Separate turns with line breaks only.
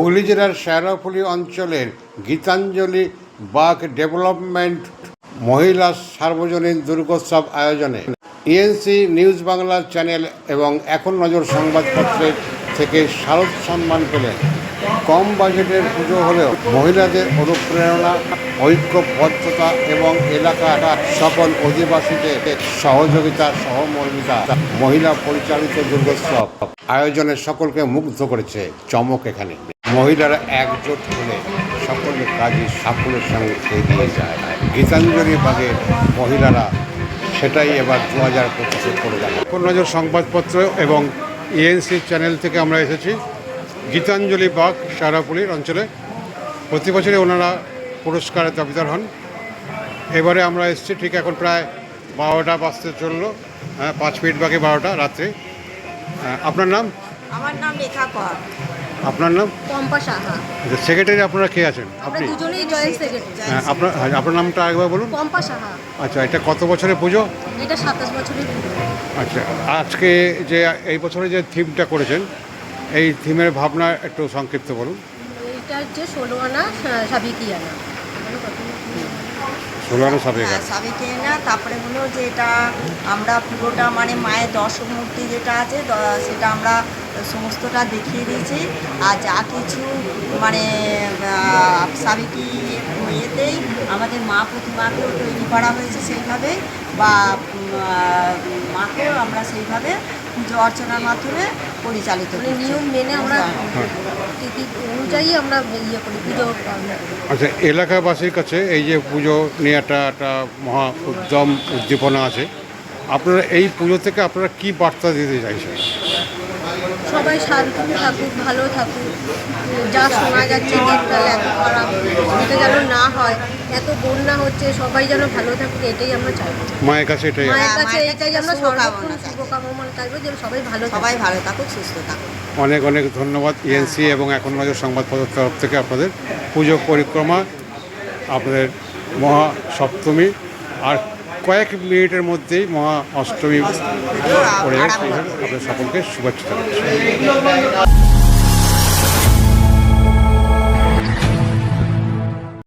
হুগলি জেলার শেরাফুলি অঞ্চলের Gitanjali bug development মহিলা সার্বজনীন দুর্গোৎসব আয়োজনে ইএনসি নিউজ বাংলা চ্যানেল এবং এখন নজর সংবাদপত্রের থেকে শারদ সম্মান পেলেন। কম বাজেটের পুজো হলেও মহিলাদের অনুপ্রেরণা, ঐক্যবদ্ধতা এবং এলাকার সকল অধিবাসীদের সহযোগিতা, সহমর্মিতা মহিলা পরিচালিত দুর্গোৎসব আয়োজনে সকলকে মুগ্ধ করেছে। চমক এখানে মহিলারা একজোট হলে সকল কাজই সাফল্যের সঙ্গে এগিয়ে যায়। গীতাঞ্জলি বাগের মহিলারা সেটাই এবার 2025-এ করে যাবে। এখন নজর সংবাদপত্র এবং ইএনসি চ্যানেল থেকে আমরা এসেছি গীতাঞ্জলি বাগ শেরাফুলির অঞ্চলে। প্রতি বছরই ওনারা পুরস্কারের দাবিদার হন। এবারে আমরা এসেছি ঠিক এখন প্রায় 12টা বাজতে চললো, 5 মিনিট বাকি 12টা রাত্রে। আপনার নাম?
আমার নাম রেখা কর।
আপনার নাম?
পম্পা সাহা।
সেক্রেটারি আপনারা কে আছেন?
আমরা দুজনেই জয়েন্ট সেক্রেটারি।
আপনার নামটা একবার বলুন।
পম্পা সাহা।
আচ্ছা, এটা কত বছরের পুজো?
এটা 27 বছরের পুজো।
আচ্ছা, আজকে যে এই বছরে যে থিমটা করেছেন, এই থিমের ভাবনা একটু সংক্ষিপ্ত বলুন।
এটা হচ্ছে 16 আনা সাবিকিয়ানা।
16 আনা সাবেকা।
সাবিকিয়ানা, তারপরে হলো যে এটা আমরা পুরোটা মানে মায়ের দর্শক মূর্তি যেটা আছে সেটা আমরা সমস্তটা দেখিয়ে দিয়েছি। আর যা কিছু মানে সাবিকি ইয়েতেই আমাদের মা প্রতিমাকেও তৈরি করা হয়েছে সেইভাবে, বা মাকেও আমরা সেইভাবে পুজো অর্চনার মাধ্যমে পরিচালিত করি। নিয়ম মেনে আমরা অনুযায়ী আমরা ইয়ে করি পুজো।
আচ্ছা, এলাকাবাসীর কাছে এই যে পুজো নিয়ে একটা মহা উদ্যম উদ্দীপনা আছে, আপনারা এই পুজো থেকে আপনারা কি বার্তা দিতে চাইছেন?
সবাই শান্তি থাকুক, ভালো থাকুক। যা শোনা যাচ্ছে দিনকাল এত খারাপ, এটা যেন না হয়। এত বন্যা হচ্ছে, সবাই যেন ভালো থাকুক, এটাই আমরা চাইবো।
মায়ের কাছে এটাই
আমরা সর্বক্ষণ শুভকামনা চাইবো যে সবাই ভালো থাকুক, সুস্থ থাকুক।
অনেক অনেক ধন্যবাদ ইএনসি এবং এখন নজর সংবাদপত্রের তরফ থেকে আপনাদের পুজো পরিক্রমা, আপনাদের মহা সপ্তমী আর কয়েক মিনিটের মধ্যেই মহা অষ্টমী পড়ে যাবে। আপনাদের সকলকে শুভেচ্ছা জানাচ্ছি।